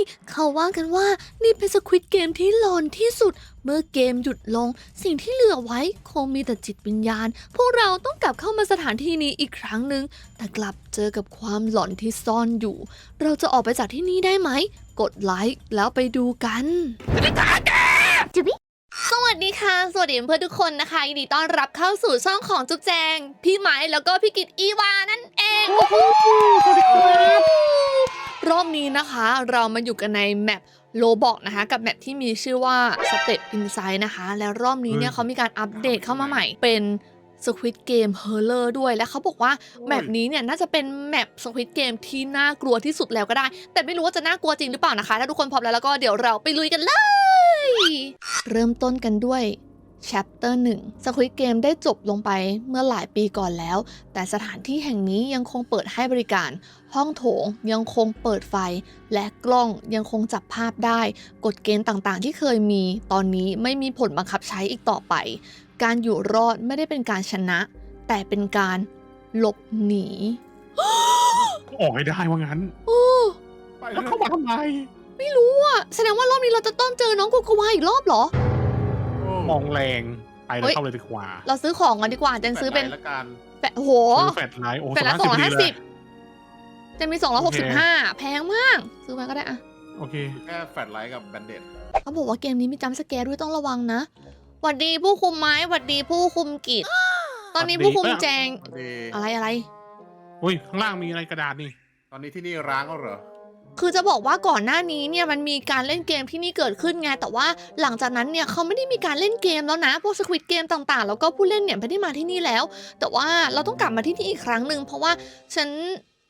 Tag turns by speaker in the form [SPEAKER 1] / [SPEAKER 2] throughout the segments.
[SPEAKER 1] เขาว่ากันว่านี่เป็นสควิดเกมที่หลอนที่สุดเมื่อเกมหยุดลงสิ่งที่เหลือไว้คงมีแต่จิตวิญญาณพวกเราต้องกลับเข้ามาสถานที่นี้อีกครั้งหนึ่งแต่กลับเจอกับความหลอนที่ซ่อนอยู่เราจะออกไปจากที่นี่ได้ไหมกดไลค์แล้วไปดูกันสวัสดีค่ะสวัสดีเพื่อนทุกคนนะคะยินดีต้อนรับเข้าสู่ช่องของจุ๊บแจงพี่ไม้แล้วก็พี่กิตอีวานั่นเองสวัสดีครับรอบนี้นะคะเรามาอยู่กันในแมปโลบอกนะคะกับแมปที่มีชื่อว่า Step Inside นะคะแล้วรอบนี้เนี่ยเขามีการอัปเดตเข้ามาใหม่เป็น Squid Game Horror ด้วยและเขาบอกว่าแมปนี้เนี่ยน่าจะเป็นแมป Squid Game ที่น่ากลัวที่สุดแล้วก็ได้แต่ไม่รู้ว่าจะน่ากลัวจริงหรือเปล่านะคะถ้าทุกคนพร้อมแล้วก็เดี๋ยวเราไปลุยกันเลยเริ่มต้นกันด้วย Chapter 1 Squid Game ได้จบลงไปเมื่อหลายปีก่อนแล้วแต่สถานที่แห่งนี้ยังคงเปิดให้บริการห้องโถงยังคงเปิดไฟและกล้องยังคงจับภาพได้กฎเกณฑ์ต่างๆที่เคยมีตอนนี้ไม่มีผลบังคับใช้อีกต่อไปการอยู่รอดไม่ได้เป็นการชนะแต่เป็นการหลบหนี
[SPEAKER 2] ออกให้ได้ว่างั้นแล้วเข้ามาทำไม
[SPEAKER 1] ไม่รู้อ่ะแสดงว่ารอบนี้เราจะต้องเจอน้องโกโกวาอีกรอบเหรอ
[SPEAKER 2] มองแรงไปแล้วเข้าเลยดีกว่า
[SPEAKER 1] เราซื้อของกันดีกว่าเจนซื้อเป็น
[SPEAKER 3] ละกัน
[SPEAKER 1] แฟะโห
[SPEAKER 2] ซื้อแฟลชไลท์โอ้
[SPEAKER 1] แฟะละ250จะมี265แพงมากซื้อมาก็ได้อะ
[SPEAKER 2] โอเค
[SPEAKER 3] แค่แฟลชไลท์กับแบนเด็ด
[SPEAKER 1] เขาบอกว่าเกมนี้มีจัมป์สแกร์ด้วยต้องระวังนะหวัดดีผู้คุมไม้หวัดดีผู้คุมกิจตอนนี้ผู้คุมแจงอะไร
[SPEAKER 2] อุ้ยข้างล่างมีอะไรกระดาษนี่
[SPEAKER 3] ตอนนี้ที่นี่ร้างแล้วเหรอ
[SPEAKER 1] คือจะบอกว่าก่อนหน้านี้เนี่ยมันมีการเล่นเกมที่นี่เกิดขึ้นไงแต่ว่าหลังจากนั้นเนี่ยเขาไม่ได้มีการเล่นเกมแล้วนะพวกสควิดเกมต่างๆแล้วก็ผู้เล่นเนี่ยไม่ได้มาที่นี่แล้ว แต่ว่าเราต้องกลับมาที่นี่อีกครั้งหนึ่งเพราะว่าฉัน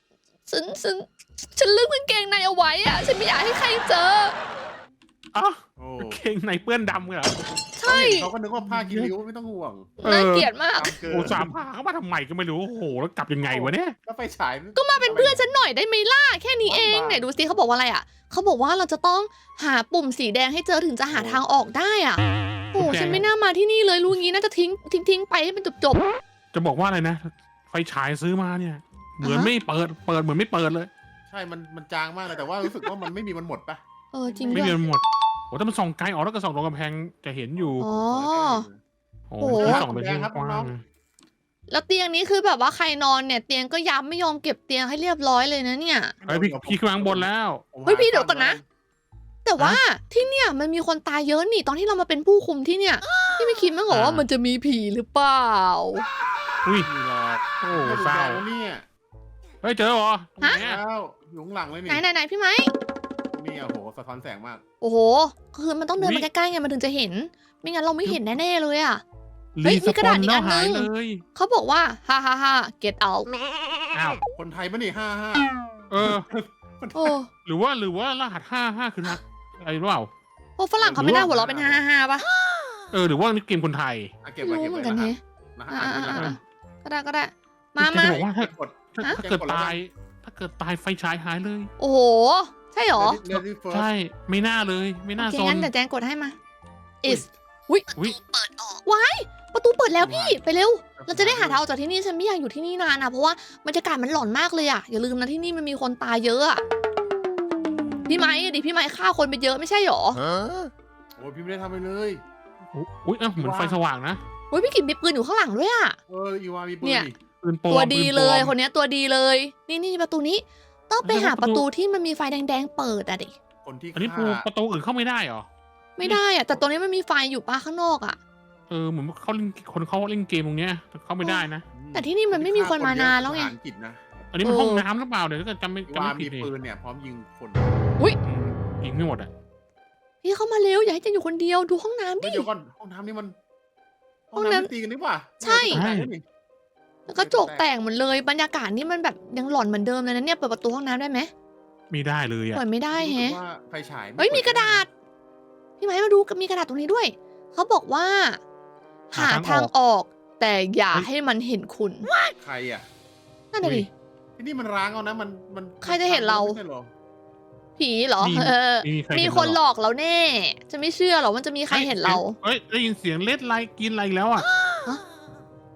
[SPEAKER 1] ลืมกางเกงในเอาไว้อะฉันไม่อยากให้ใครเจอ
[SPEAKER 2] อ๋อ
[SPEAKER 3] โอ้
[SPEAKER 2] เก่งในเปื้อนดำเหรอ
[SPEAKER 1] ใช่
[SPEAKER 3] เขาก็นึกว่าผ้ากินริ้วไม่ต้องห่วง
[SPEAKER 1] น่าเกลียดมาก
[SPEAKER 3] ตามเกิน
[SPEAKER 2] โอ้สามพาเข้ามาทำไมก็ไม่รู้โอ้โหแล้วกลับยังไงวะเนี่ย
[SPEAKER 3] ก็ไปฉาย
[SPEAKER 1] ก็มาเป็นเพื่อนฉันหน่อยได้ไหมล่ะแค่นี้เองไหนดูสิเขาบอกว่าอะไรอ่ะเขาบอกว่าเราจะต้องหาปุ่มสีแดงให้เจอถึงจะหาทางออกได้อ่ะโอ้ฉันไม่น่ามาที่นี่เลยรู้งี้น่าจะทิ้งไปให้มันจบ
[SPEAKER 2] จะบอกว่าอะไรนะ ไฟฉายซื้อมาเนี่ย เหมือนไม่เปิดเหมือนไม่เปิดเลย
[SPEAKER 3] ใช่มันจางมากเลยแต่ว่ารู้สึกว่ามันไม่มีมันหมดปะ
[SPEAKER 1] จริง
[SPEAKER 2] ไม่
[SPEAKER 1] ด้วย
[SPEAKER 2] มีหมดโอ้ถ้ามันส่องไกลออกแล้วก็ส่องตรงกำแพงจะเห็นอยู่
[SPEAKER 1] อ๋อ
[SPEAKER 2] โอ้
[SPEAKER 1] โอ้
[SPEAKER 2] ที่ส่องไปที่กว้าง
[SPEAKER 1] แล้วเตียงนี้คือแบบว่าใครนอนเนี่ยเตียงก็ย้ำไม่ยอมเก็บเตียงให้เรียบร้อยเลยนะเนี่ย
[SPEAKER 2] เฮ้ยพี่ขึ้นมาข้างบนแล้ว
[SPEAKER 1] เฮ้ยพี่เดี๋ยวก่อนนะ แต่ว่าที่เนี่ยมันมีคนตายเยอะนี่ตอนที่เรามาเป็นผู้คุมที่เนี่ยพี่ไม่คิดมั้างเหรอว่ามันจะมีผีหรือเปล่า
[SPEAKER 2] อุ้ย
[SPEAKER 3] มีหรอก
[SPEAKER 2] โอ้
[SPEAKER 3] ไม่
[SPEAKER 2] เศร้า
[SPEAKER 3] แล้วเนี่ย
[SPEAKER 2] เฮ้ยเจอเหรอตรงไหนอะ
[SPEAKER 3] แล้วอยู่ข้างหลังเลย
[SPEAKER 1] ไหน
[SPEAKER 3] นี่
[SPEAKER 1] ไหนพี่ไม้
[SPEAKER 3] นี่โอ้โหสะท้อนแสงมาก
[SPEAKER 1] โอ้โหคือมันต้องเดินมาใกล้ๆไงมันถึงจะเห็น ไม่งั้นเราไม่เห็นแน่ๆเลยอ่ะ เฮ้ยมีกระดาษอีกอันนึง
[SPEAKER 2] หายเลย
[SPEAKER 1] เขาบอกว่าฮ่า get out
[SPEAKER 2] อ้าว
[SPEAKER 3] คนไทยปะนี่55
[SPEAKER 2] เออ
[SPEAKER 1] โอ้
[SPEAKER 2] หรือว่ารหัส55คือนะอะไรหรือเปล่า
[SPEAKER 1] พวกฝรั่งเขาไม่น่าหัวเราะเป็นฮ่าป่ะ
[SPEAKER 2] หรือว่านี่เกมคนไทย
[SPEAKER 3] อ่ะเก็บ
[SPEAKER 1] ไม่
[SPEAKER 3] ไว้
[SPEAKER 1] รู้
[SPEAKER 3] เก็บ
[SPEAKER 1] เหมื
[SPEAKER 3] ไว้
[SPEAKER 1] อนกัน
[SPEAKER 3] นะ
[SPEAKER 1] เฮ้
[SPEAKER 3] นะฮะอ่านด้วยนะ
[SPEAKER 1] ก็ได้มา
[SPEAKER 2] จะบอกว่าถ้าก
[SPEAKER 3] ด
[SPEAKER 2] เกิดตายไฟฉายหายเลย
[SPEAKER 1] โอ้โหใช่หรอ
[SPEAKER 3] Lady First
[SPEAKER 2] ใช่ไม่น่าเลยไม่น่า
[SPEAKER 1] โอเค
[SPEAKER 2] ซน
[SPEAKER 1] งั้นเดี๋ยวแจงกดให้มา is
[SPEAKER 2] อุ๊ย
[SPEAKER 1] ประตูเปิดแล้วพี่ไปเร็ว เราจะได้หาทางออกจากที่นี่ฉันไม่อยากอยู่ที่นี่นานนะเพราะว่าบรรยากาศมันหลอนมากเลยอ่ะอย่าลืมนะที่นี่มันมีคนตายเยอะอะพี่ไม้พี่ไม้ฆ่าคนไปเยอะไม่ใช่หรอ
[SPEAKER 3] โอ้ยพี่ไม่ได้ทำไปเลย
[SPEAKER 2] อุ้ยเหมือนไฟสว่างนะ
[SPEAKER 1] เฮ้ยพี่กินมีปืนอยู่ข้างหลังด้วยอ่ะ
[SPEAKER 3] อีวามีปืน
[SPEAKER 1] เนี่ย
[SPEAKER 3] นี่
[SPEAKER 2] ปืนปลอม
[SPEAKER 1] ตัวดีเลย
[SPEAKER 2] ปืนป
[SPEAKER 1] คนเนี้ยตัวดีเลย นี่ประตูนี้ ต้องไปหาประตูที่มันมีไฟแดงๆเปิดอะดิ
[SPEAKER 3] คนที่
[SPEAKER 2] อันนี้
[SPEAKER 3] ฆ่า
[SPEAKER 2] ประตูอื่นเข้าไม่ได้เหรอ
[SPEAKER 1] ไม่ได้อะแต่ตรงนี้มันมีไฟอยู่ป้าข้างนอกอะ
[SPEAKER 2] เหมือนเขาเล่นคนเขาเล่นเกมตรงเนี้ยเข้าไม่ได้นะ
[SPEAKER 1] แต่ที่นี่มันไม่มีคนมานานแล้วไง
[SPEAKER 3] ทหารกิจนะ
[SPEAKER 2] อันนี้มันห้องน้ำหรือเปล่าเดี๋ยวถ้าเกิดจำไม่
[SPEAKER 3] อีวา
[SPEAKER 2] ผิ
[SPEAKER 3] มี
[SPEAKER 2] ดเลย
[SPEAKER 3] ปืนเนี่ยพร้อมยิงคน
[SPEAKER 2] ยิงไม่หมดอ่ะ
[SPEAKER 1] พี่เข้ามาเร็วอย่าให้เจนอยู่คนเดียวดูห้องน้ำดิ
[SPEAKER 3] เดี๋ยวก่อนห้องน้ำนี่มัน
[SPEAKER 1] ห้องน้ำ
[SPEAKER 3] ไม่ตีกันนี่หว่า
[SPEAKER 1] ใช่
[SPEAKER 3] นี่
[SPEAKER 1] แล้วก็จกแตกหมดเลยบรรยากาศนี่มันแบบยังหลอนเหมือนเดิมเลยนะเนี่ยเปิดประตูห้องน้ำได้ไหม
[SPEAKER 2] ไม่ได้เลยอ่ะ
[SPEAKER 1] เปิดไม่ได้
[SPEAKER 3] รู้สึ
[SPEAKER 1] แฮะ
[SPEAKER 3] กว่าไฟฉาย
[SPEAKER 1] เฮ้ยมีกระดาษ พี่ไม้มาดูมีกระดาษตรงนี้ด้วย เขาบอกว่า หาทางออก แต่อย่าให้มันเห็นคุณ
[SPEAKER 3] ใครอ่ะ
[SPEAKER 1] นั่นน่ะดิ
[SPEAKER 3] ที่นี่มันร้างเอานะมัน
[SPEAKER 1] ใครจะเห็นเรา
[SPEAKER 3] ไม่ใช่หรอ
[SPEAKER 1] ผีเหรอ มีคนหลอกเราแน่ จะไม่เชื่อหรอกว่าจะมีใครเห็นเรา
[SPEAKER 2] เฮ้ยได้ยินเสียงเล็ดไลกินอะไรแล้วอ่ะ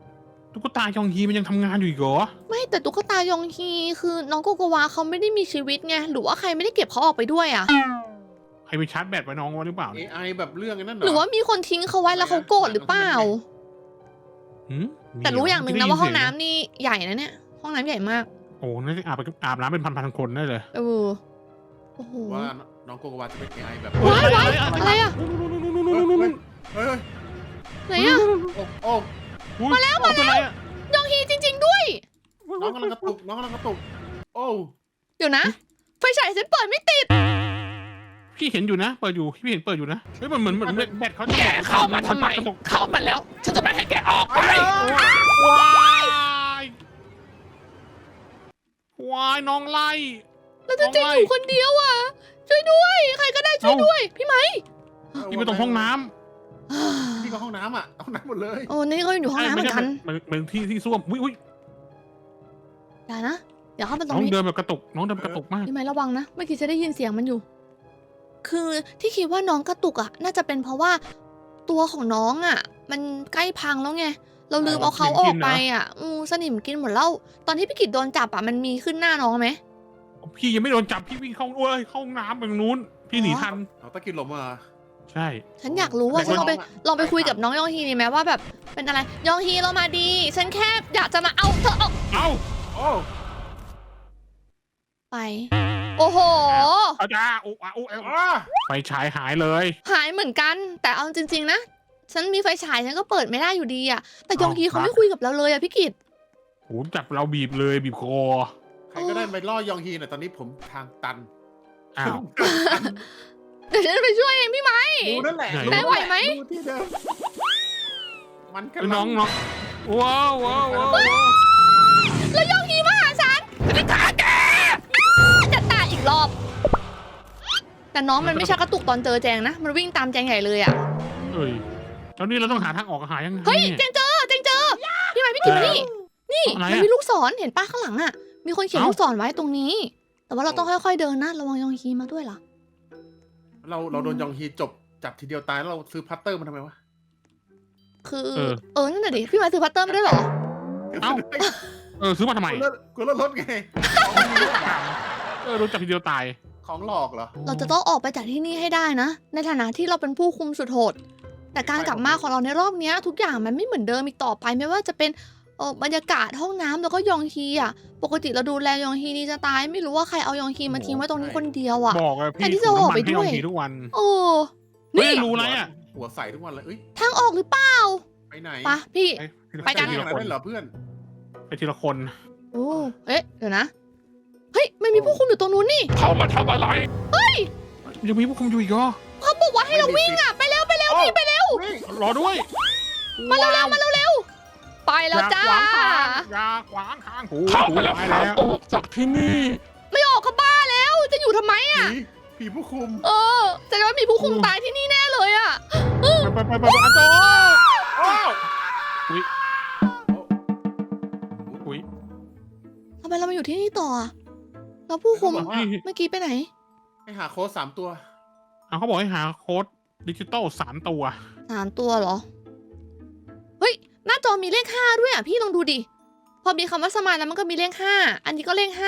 [SPEAKER 2] ตุ๊กตายองฮีมันยังทำงานอยู่อีกเหรอ
[SPEAKER 1] ไม่แต่ตุ๊กตายองฮีคือน้องโกโกวาเขาไม่ได้มีชีวิตไงหรือว่าใครไม่ได้เก็บเขาออกไปด้วยอ่ะ
[SPEAKER 2] ใครไปชาร์จแบตไว้น้องไว้หรือเปล่าเนี่ย
[SPEAKER 3] AI แบบเรื่องไอ้นั่นเหร
[SPEAKER 1] หรือว่ามีคนทิ้งเขาไว้แล้วเขาโกรธหรือเปล่า
[SPEAKER 2] หืม
[SPEAKER 1] แต่รู้อย่างหนึ่งนะว่าห้องน้ำนี่ใหญ่นะเนี่ยห้องน้ำใหญ่มาก
[SPEAKER 2] โอ้น่าจะอาบน้ำเป็นพันๆคนได้เลย
[SPEAKER 1] เออโอ้โห
[SPEAKER 3] ว่าน้องโกโกวาจะเป็น AI แบบ
[SPEAKER 1] ว้ายว้ายอะไรอะ
[SPEAKER 3] เฮ้ย
[SPEAKER 1] ไหนอะ
[SPEAKER 3] โอ้
[SPEAKER 2] มาแล้วมาแล้ว
[SPEAKER 1] ยองฮีจริง ๆด้วย
[SPEAKER 3] น้องกำลังกระตุกน้องกำลังกระตุกโอ้
[SPEAKER 1] เดี๋ยวนะไฟฉายฉันเปิดไม่ติด
[SPEAKER 2] พี่เห็นอยู่นะเปิดอยู่พี่เห็นเปิดอยู่นะเฮ้ยมันเหมือนแบตเขาจะ
[SPEAKER 4] แกเข้ามาทำไม เข้ามาแล้ว ฉันจะไม่ให้แกออกไป
[SPEAKER 2] วายน้องไล่
[SPEAKER 1] แล้วจะอยู่คนเดียวอ่ะช่วยด้วยใครก็ได้ช่วยด้วยพี่ไหม
[SPEAKER 2] พี่ไปตรงห้องน้
[SPEAKER 3] นี่ก็ห้องน้ำอ่ะห้องน้ำหมดเลย
[SPEAKER 1] โอ้นี่ก็อยู่ห้องน้ำเหมือนกัน
[SPEAKER 2] เหมือนที่ส้วมอุ้ย
[SPEAKER 1] อย่านะอย่าเข้ามาตร
[SPEAKER 2] น้
[SPEAKER 1] ง
[SPEAKER 2] อง
[SPEAKER 1] นี้
[SPEAKER 2] เดินแบบกระตุกน้องเดินกระตุกมาก
[SPEAKER 1] พี่ไหมระวังนะเมื่อกี้จะได้ยินเสียงมันอยู่ คือที่คิดว่าน้องกระตุกอ่ะน่าจะเป็นเพราะว่าตัวของน้องอ่ะ มันใกล้พังแล้วไงเราลืมเอาเขาออกไปอ่ะสนิมกินหมดแล้วตอนที่พี่กิจโดนจับอ่ะมันมีขึ้นหน้าน้องไหม
[SPEAKER 2] พี่ยังไม่โดนจับพี่วิ่งเข้าเข้าห้องน้ำไปตรงนู้นพี่หนีทัน
[SPEAKER 3] เอาตะกินหลบมา
[SPEAKER 2] ใช่
[SPEAKER 1] ฉันอยากรู้ว่า
[SPEAKER 3] แต่
[SPEAKER 1] ฉัน
[SPEAKER 3] ว่า
[SPEAKER 1] ลองไปคุยกับน้องยองฮีดีไหมว่าแบบเป็นอะไรยองฮีเรามาดี ฉันแค่อยากจะมาเอาเธอออก
[SPEAKER 2] เอ้า
[SPEAKER 3] โอ้
[SPEAKER 1] ไป โอ้โห
[SPEAKER 2] อาจารย์ไฟฉายหายเลย
[SPEAKER 1] หายเหมือนกัน แต่เอาจริงๆนะ ฉันมีไฟฉายฉันก็เปิดไม่ได้อยู่ดีอะแต่ยองฮีเขาไม่คุยกับเราเลยอะพี่กิต
[SPEAKER 2] โหจับเราบีบเลยบีบคอ
[SPEAKER 3] ใครก็ได้ไปล่อยองฮีหน่อยตอนนี้ผมทางตัน
[SPEAKER 2] อ้าว
[SPEAKER 1] เดี๋ยวฉันไปช่วยเองพี่ไม้
[SPEAKER 3] ดูนั่นแหละ
[SPEAKER 1] นายไหวไหม
[SPEAKER 3] ดูที่เดิมมันกำ
[SPEAKER 2] น้
[SPEAKER 3] ลั
[SPEAKER 2] องว้าว
[SPEAKER 1] แล้วยองฮีมาหาฉันจะตายแกจะตายอีกรอบ แต่น้องมันไม่ชักกระตุกตอนเจอแจงนะ มันวิ่งตามแจงใหญ่เลยอะ
[SPEAKER 2] เอ้ยแล้วนี่เราต้องหาทางออกหายังไง
[SPEAKER 1] เฮ้ยแจงเจอพี่ไม้พี่กิตมานี่ นี่
[SPEAKER 2] อะไร
[SPEAKER 1] มัน
[SPEAKER 2] อะ
[SPEAKER 1] มีลูกศรเห็นป้าข้างหลังอะมีคนเขียนลูกศรไว้ตรงนี้ แต่ว่าเราต้องค่อยๆเดินนะระวังยองฮีมาด้วยล่ะ
[SPEAKER 3] เราโดนยองฮีจับทีเดียวตายแล้วเราซื้อพัตเตอร์มาทำไมวะ
[SPEAKER 1] คือนั่นน่ะดิพี่ไม้ซื้อพัตเตอร์ไม่ได้เหรอ
[SPEAKER 2] เอ้าซื้อมาทำไม
[SPEAKER 3] กูรถไง
[SPEAKER 2] โดนจับทีเดียวตาย
[SPEAKER 3] ของหลอกเหรอ
[SPEAKER 1] เราจะต้องออกไปจากที่นี่ให้ได้นะ ในฐานะที่เราเป็นผู้คุมสุดโหด แต่การกลับมาของเราในรอบเนี้ยทุกอย่างมันไม่เหมือนเดิมอีกต่อไปไม่ว่าจะเป็นบรรยากาศห้องน้ำแล้วก็ยองฮีอ่ะ ปกติเราดูแลยองฮีดีจะตาย ไม่รู้ว่าใครเอายองฮีมาทิ้งไว้ตรงนี้คนเดียวอ่ะ
[SPEAKER 2] บอกเลยพี่
[SPEAKER 1] แทนที่จะออกไปด้วย
[SPEAKER 2] ให้ทุกวัน
[SPEAKER 1] โอ้
[SPEAKER 2] เฮ้ย
[SPEAKER 1] นี่
[SPEAKER 2] รู้ไรอ่ะ
[SPEAKER 3] หัวใสทุกวันเลยเอ้ย
[SPEAKER 1] ทางออกหรือเปล่า
[SPEAKER 3] ไปไหน
[SPEAKER 1] ปะพี่ ไปกัน
[SPEAKER 2] ที
[SPEAKER 3] ที
[SPEAKER 2] ละ
[SPEAKER 3] ละ
[SPEAKER 2] ค
[SPEAKER 3] คน นเหรอเพื่อน
[SPEAKER 2] ไปทีละคน
[SPEAKER 1] โอ้เอ๊ะเดี๋ยวนะเฮ้ยไม่มีผู้คุมอยู่ตรงนู้นนี่
[SPEAKER 4] เข้ามาทำอะไร
[SPEAKER 2] ยังมีผู้คุมอยู่อีกเหรอ
[SPEAKER 1] เขาบอกว่าให้เราวิ่งอ่ะไปเร็วพี่ไปเร็ว
[SPEAKER 2] รอด้วย
[SPEAKER 1] มาเร็วไปแล้วจ้า
[SPEAKER 2] อย่าขวางทางหู
[SPEAKER 4] เข้ามาแล้ว
[SPEAKER 2] ไป
[SPEAKER 4] หา
[SPEAKER 2] แล้ว
[SPEAKER 4] ออกจากที่นี่
[SPEAKER 1] ไม่ออกก็บ้าแล้วจะอยู่ทำไมอ่ะ
[SPEAKER 3] ผีผู้คุม
[SPEAKER 1] แสดงว่ามีผู้คุมตายที่นี่แน่เลยอ่ะ
[SPEAKER 2] ไปอันโต
[SPEAKER 3] โอ้
[SPEAKER 2] อุ้ย
[SPEAKER 1] ทำไมเรามาอยู่ที่นี่ต่ออะแล้วผู้คุม
[SPEAKER 3] เขาบอกว่า
[SPEAKER 1] เมื่อกี้ไปไหน
[SPEAKER 3] ให้หาโค้ด3 ตัว
[SPEAKER 2] เขาบอกให้หาโค้ดดิจิตอล3 ตัว
[SPEAKER 1] 3 ตัวเหรอ เฮ้ย หน้าจอมีเลข 5 ด้วยอ่ะ พี่ลองดูดิ พอมีคำว่าสมายแล้วมันก็มีเลข 5 อันนี้ก็เลข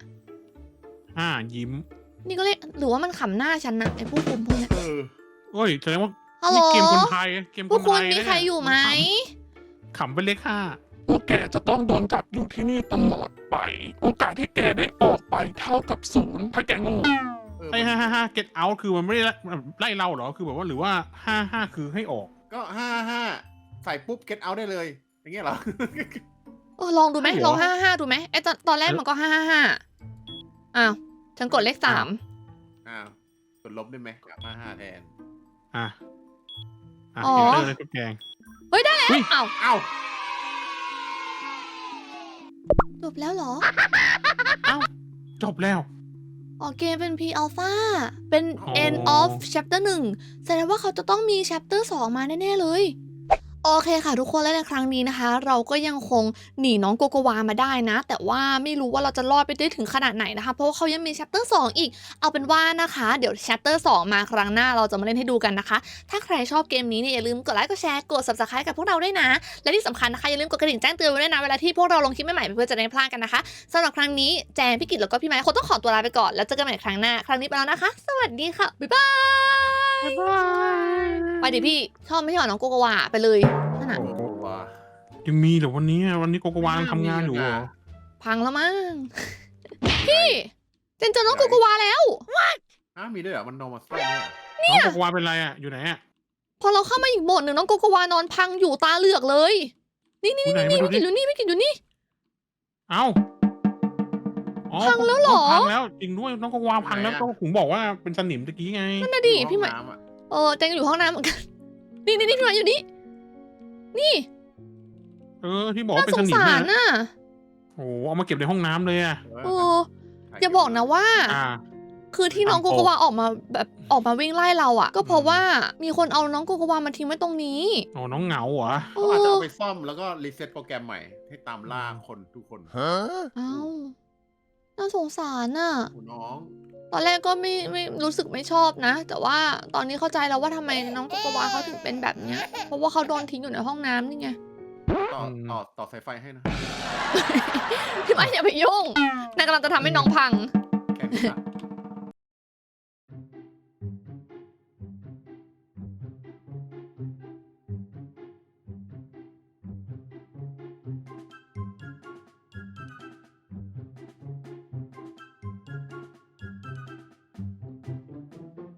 [SPEAKER 2] ยิ้ม
[SPEAKER 1] 5 นี่ก็เลข หรือว่ามันขำหน้าฉันนะไอ้ผู้คุมพวกเนี้ย
[SPEAKER 2] เฮ้ยแสดงว่า
[SPEAKER 1] ฮัลโหล
[SPEAKER 2] นี่เกมคนไทยเกมค
[SPEAKER 1] ผู้
[SPEAKER 2] น
[SPEAKER 1] คุ
[SPEAKER 2] ไท
[SPEAKER 1] ม
[SPEAKER 2] ย
[SPEAKER 1] มีใครอยู่ไหม
[SPEAKER 2] ขำเป็นเลข
[SPEAKER 4] พวกแกจะต้องโดนจับอยู่ที่นี่ตลอดไป โอกาสที่แกได้ออกไปเท่ากับ0ถ้าแกโง่
[SPEAKER 2] 5ไอ้5 get out คือมันไม่ได้ไล่เราเหรอคือแบบว่าหรือว่า5คือให้ออก
[SPEAKER 3] ก็55ใส่ปุ๊บ get out ได้เลย อย่างเงี้ยเหรอ
[SPEAKER 1] ลองดูไหม
[SPEAKER 2] ใช่เหรอ
[SPEAKER 1] ลอง 555 ดูไหมไอ้ตอนแรกมันก็ 555 อ้าว ฉันกดเลข 3
[SPEAKER 3] อ้าวกดลบได้ไหมกลับมา5แทน
[SPEAKER 2] อ่ะ
[SPEAKER 1] อ๋อ
[SPEAKER 2] เอนเตอร์เลยทุกแกง
[SPEAKER 1] เฮ้ย ได้แล้ว อ้าว
[SPEAKER 3] เอ้า
[SPEAKER 1] จบแล้วเหรอ
[SPEAKER 2] จบแล้ว
[SPEAKER 1] อ๋อเกมเป็น P Alpha เป็น
[SPEAKER 2] อ๋อ
[SPEAKER 1] End of Chapter 1 แสดงว่าเขาจะต้องมี Chapter 2 มาแน่ ๆ เลยโอเคค่ะทุกคนและในครั้งนี้นะคะ เราก็ยังคงหนีน้องโกโกวามาได้นะ แต่ว่าไม่รู้ว่าเราจะรอดไปได้ถึงขนาดไหนนะคะ เพราะว่าเขายังมี chapter 2 อีกเอาเป็นว่านะคะเดี๋ยว chapter 2 มาครั้งหน้าเราจะมาเล่นให้ดูกันนะคะ ถ้าใครชอบเกมนี้เนี่ยอย่าลืมกดไลค์กดแชร์กด subscribe กับพวกเราด้วยนะ และที่สำคัญนะคะอย่าลืมกดกระดิ่งแจ้งเตือนไว้ด้วยนะเวลาที่พวกเราลงคลิปใหม่ๆเพื่อจะได้ไม่พลาดกันนะคะสำหรับครั้งนี้แจงพี่กิตแล้วก็พี่ไม้คงต้องขอตัวลาไปก่อนแล้วเจอกันใหม่ครั้งหน้าครั้งนี้ไปแล้วนะคะ สวัสดีค่ะบ๊ายบาย
[SPEAKER 2] บ๊ายบาย
[SPEAKER 1] ไปดิพี่ชอบไม่ใช่เหรอน้องโกโกวาไปเลยนั่นน่ะ
[SPEAKER 3] โอ้โหว่า
[SPEAKER 2] ยังมีเหรอวันนี้โกโกวาทำงานอยู่เหรอ
[SPEAKER 1] พังแล้วมั้ง พี่เจนเจอน้องโกโกวาแล้ว
[SPEAKER 3] มีด้วยเหรอมันนอนมาซ่อมเนี่ย
[SPEAKER 2] น้องโกโกวาเป็นไรอ่ะอยู่ไหนอ่ะ
[SPEAKER 1] พอเราเข้ามาอีกโหมดหนึ่งน้องโกโกวานอนพังอยู่ตาเหลือกเลย นี่
[SPEAKER 2] อยู่ไหนมาดู
[SPEAKER 1] พี่กิ
[SPEAKER 2] ดิ
[SPEAKER 1] นอยู่นี่พี่กินอยู่นี่
[SPEAKER 2] เอ้าอ๋อ
[SPEAKER 1] พังแล้วเหรอ
[SPEAKER 2] พังแล้วจริงด้วยน้องโกโกวาพังแล้วก็ผมบอกว่าเป็นสนิมตะกี้ไง
[SPEAKER 1] นั่นน่ะดิ
[SPEAKER 3] อยู่
[SPEAKER 1] พี่หมาย
[SPEAKER 3] ห้องน้ำอะ
[SPEAKER 1] เจนอยู่ห้องน้ำเหมือนกัน นี่พี่หมายอยู่นี่ นี่
[SPEAKER 2] ที่บอกว่า
[SPEAKER 1] น่า
[SPEAKER 2] เป็น
[SPEAKER 1] ส
[SPEAKER 2] ส
[SPEAKER 1] ง
[SPEAKER 2] นิม
[SPEAKER 1] สาร
[SPEAKER 2] นะ
[SPEAKER 1] น่ะ
[SPEAKER 2] โอ้เอามาเก็บในห้องน้ำเลยอ่ะ
[SPEAKER 1] เอออย่าบอกนะว่า
[SPEAKER 2] อ่า
[SPEAKER 1] คือที่น้องโกโกวาออกมาวิ่งไล่เราอ่ะ ก็เพราะว่ามีคนเอาน้องโกโกวามาทิ้งไว้ตรงนี้
[SPEAKER 2] อ๋อน้องเหงาเหรอ
[SPEAKER 1] เอ
[SPEAKER 3] เขาอาจจะ
[SPEAKER 1] อ
[SPEAKER 3] เอาไปซ่อมแล้วก็รีเซ็ตโปรแกรมใหม่ ให้ตามล่าคนทุกคน
[SPEAKER 1] เอ้าน่าสงสารน่ะ
[SPEAKER 3] โอ้น้อง
[SPEAKER 1] ตอนแรกก็ไม่รู้สึกไม่ชอบนะ แต่ว่าตอนนี้เข้าใจแล้วว่าทำไมน้องโกโกวาเขาถึงเป็นแบบเนี้ย เพราะว่าเขาโดนทิ้งอยู่ในห้องน้ำนี่ไง
[SPEAKER 3] ต่อสายไฟให้นะ
[SPEAKER 1] พี่ไม้อย่าไปยุ่งนายกำลังจะทำให้น้องพัง
[SPEAKER 3] แค่นี้ละ